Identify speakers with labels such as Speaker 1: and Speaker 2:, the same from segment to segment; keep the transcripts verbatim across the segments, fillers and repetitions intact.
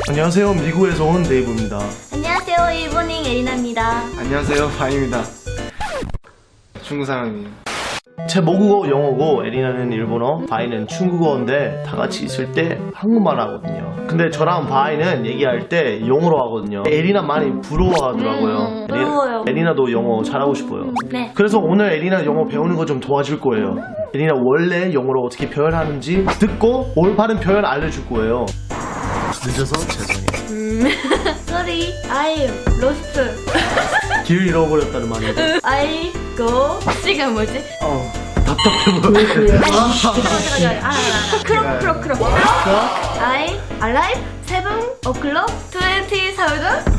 Speaker 1: 안녕하세요. 미국에서 온 네이버입니다.
Speaker 2: 안녕하세요. 일본인 에리나입니다.
Speaker 3: 안녕하세요, 바입니다. 중국 사람이에요.
Speaker 1: 제 모국어 영어고 에리나는 일본어, 바이는 중국어인데 다 같이 있을 때 한국말 하거든요. 근데 저랑 바이는 얘기할 때 영어로 하거든요. 에리나 많이 부러워하더라고요.
Speaker 2: 음, 부러워요.
Speaker 1: 에리, 에리나도 영어 잘하고 싶어요.
Speaker 2: 네.
Speaker 1: 그래서 오늘 에리나 영어 배우는 거 좀 도와줄 거예요. 에리나 원래 영어로 어떻게 표현하는지 듣고 올바른 표현 알려줄 거예요. 늦어서 죄송해요.
Speaker 2: 음, sorry, I lost.
Speaker 1: 길 잃어버렸다는 말이에요.
Speaker 2: I go. 시간 뭐지?
Speaker 1: 어, 답답해 보여요.
Speaker 2: 크롭 크롭 크롭. I alive seven o'clock twenty thousand.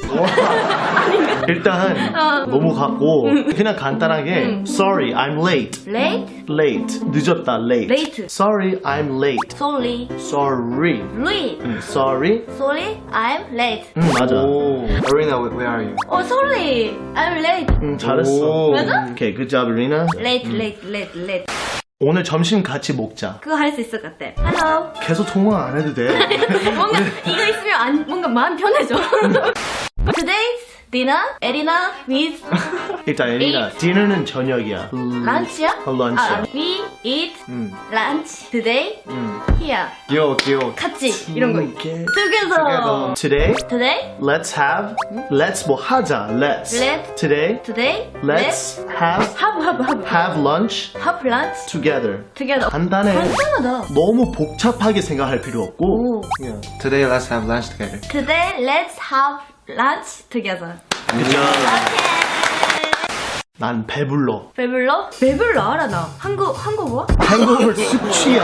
Speaker 1: 일단
Speaker 2: 어.
Speaker 1: 너무 같고 그냥 간단하게 Sorry, I'm late.
Speaker 2: Late,
Speaker 1: Late. 늦었다. Late.
Speaker 2: Late.
Speaker 1: Sorry, I'm late.
Speaker 2: sorry,
Speaker 1: Sorry.
Speaker 2: late.
Speaker 1: 음, Sorry.
Speaker 2: Sorry, I'm late.
Speaker 1: 음, 맞아.
Speaker 3: 오, Arena, where are you?
Speaker 2: Oh, sorry, I'm late.
Speaker 1: 음, 잘했어.
Speaker 3: 오.
Speaker 2: 맞아?
Speaker 1: 오케이, good job, Irina.
Speaker 2: Late, late, late, late.
Speaker 1: 오늘 점심 같이 먹자.
Speaker 2: 그거 할 수 있을 것 같아. Hello.
Speaker 1: 계속 통화 안 해도 돼.
Speaker 2: 뭔가 이거 있으면 안, 뭔가 마음 편해져. Today's dinner, 에리나 with
Speaker 1: 일단 에리나, 디너는 저녁이야.
Speaker 2: lunch야?
Speaker 1: 어, lunch.
Speaker 2: 아, we eat
Speaker 3: 음,
Speaker 2: lunch today
Speaker 3: 음.
Speaker 2: here.
Speaker 3: 귀여워, 귀여워.
Speaker 2: 같이 이런 거.
Speaker 1: Together.
Speaker 2: Together.
Speaker 1: Today,
Speaker 2: Today,
Speaker 1: let's have. Let's 뭐 하자. Let's.
Speaker 2: Let's.
Speaker 1: Today,
Speaker 2: today,
Speaker 1: let's have
Speaker 2: have have have
Speaker 1: have lunch
Speaker 2: have lunch
Speaker 1: together.
Speaker 2: together.
Speaker 1: 간단해.
Speaker 2: 간단하다.
Speaker 1: 너무 복잡하게 생각할 필요 없고.
Speaker 2: 오.
Speaker 3: Yeah. Today, let's have lunch together.
Speaker 2: Today, let's have lunch together.
Speaker 1: 그죠?
Speaker 2: 오케이.
Speaker 1: 난 배불러.
Speaker 2: 배불러? 배불러 알아 나. 한국 한국어?
Speaker 1: 행복을 숙취야.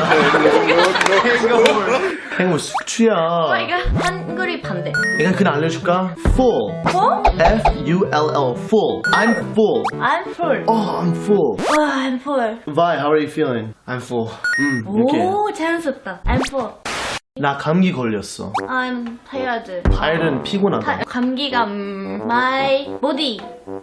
Speaker 1: 행복 숙취야.
Speaker 2: 어 이거 한글이 반대.
Speaker 1: 내가 그냥 알려줄까? Full.
Speaker 2: 뭐?
Speaker 1: F U L L. Full. I'm full.
Speaker 2: I'm full.
Speaker 1: Oh, I'm full.
Speaker 2: 와, I'm full.
Speaker 1: Vi, how are you feeling?
Speaker 3: I'm full.
Speaker 1: 음, 이렇게.
Speaker 2: 오, 자연스럽다. I'm full.
Speaker 1: 나 감기 걸렸어.
Speaker 2: I'm tired.
Speaker 1: 발은 피곤하다.
Speaker 2: 타, 감기가 음, my body.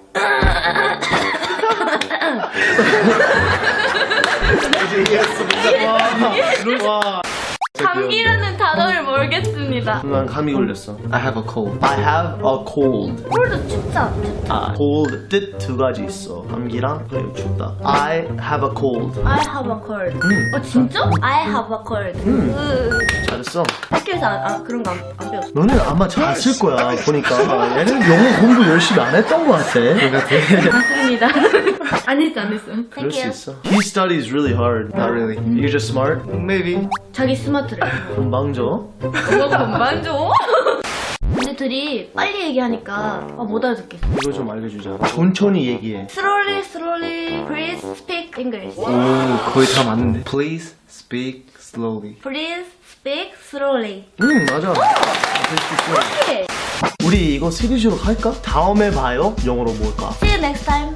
Speaker 1: 와.
Speaker 2: 감기라는 단어를 모르겠습니다.
Speaker 1: 난 감기 걸렸어.
Speaker 3: I have a cold.
Speaker 1: I have a cold.
Speaker 2: 콜드 춥다.
Speaker 1: 아, cold 뜻 두 가지 있어. 감기랑 그리고 춥다. I have a cold.
Speaker 2: I have a cold. 어 진짜? I have a cold. 으,
Speaker 1: 잘했어.
Speaker 2: 학교에서 아, 아, 그런 거 안 안 배웠어.
Speaker 1: 너는 아마 잘했을 거야. 보니까 얘는 영어 공부 열심히 안 했던 것 같아.
Speaker 2: 맞습니다. 안 했어 안 했어.
Speaker 1: 그럴 수
Speaker 2: Thank you.
Speaker 1: 있어. He studies really hard.
Speaker 3: Not really.
Speaker 1: You're just smart.
Speaker 3: Maybe.
Speaker 2: 자기 스마트래.
Speaker 1: 금방 줘.
Speaker 2: 뭐 건반 줘? 근데 둘이 빨리 얘기하니까 아, 못 알아듣겠어.
Speaker 1: 이거 좀 알려주자. 천천히 얘기해.
Speaker 2: Slowly, slowly, please speak English.
Speaker 3: 오, 거의 다 맞는데. Please speak slowly.
Speaker 2: Please speak slowly.
Speaker 1: 응, 맞아. 될 수 있어.
Speaker 2: 오케이.
Speaker 1: 우리 이거 시리즈로 할까? 다음에 봐요. 영어로 뭘까?
Speaker 2: See you next time.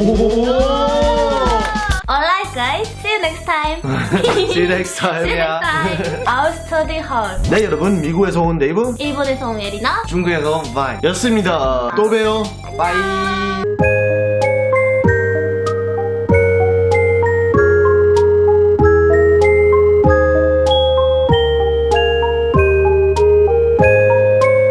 Speaker 1: 오.
Speaker 2: Alright, guys. See you next time.
Speaker 1: See you next time.
Speaker 2: See you next time. Our study hall.
Speaker 1: 네, 여러분. 미국에서 온 네이버
Speaker 2: 일본에서 온 에리나.
Speaker 3: 중국에서 바이.
Speaker 1: 였습니다. 또 봬요.
Speaker 3: 바이.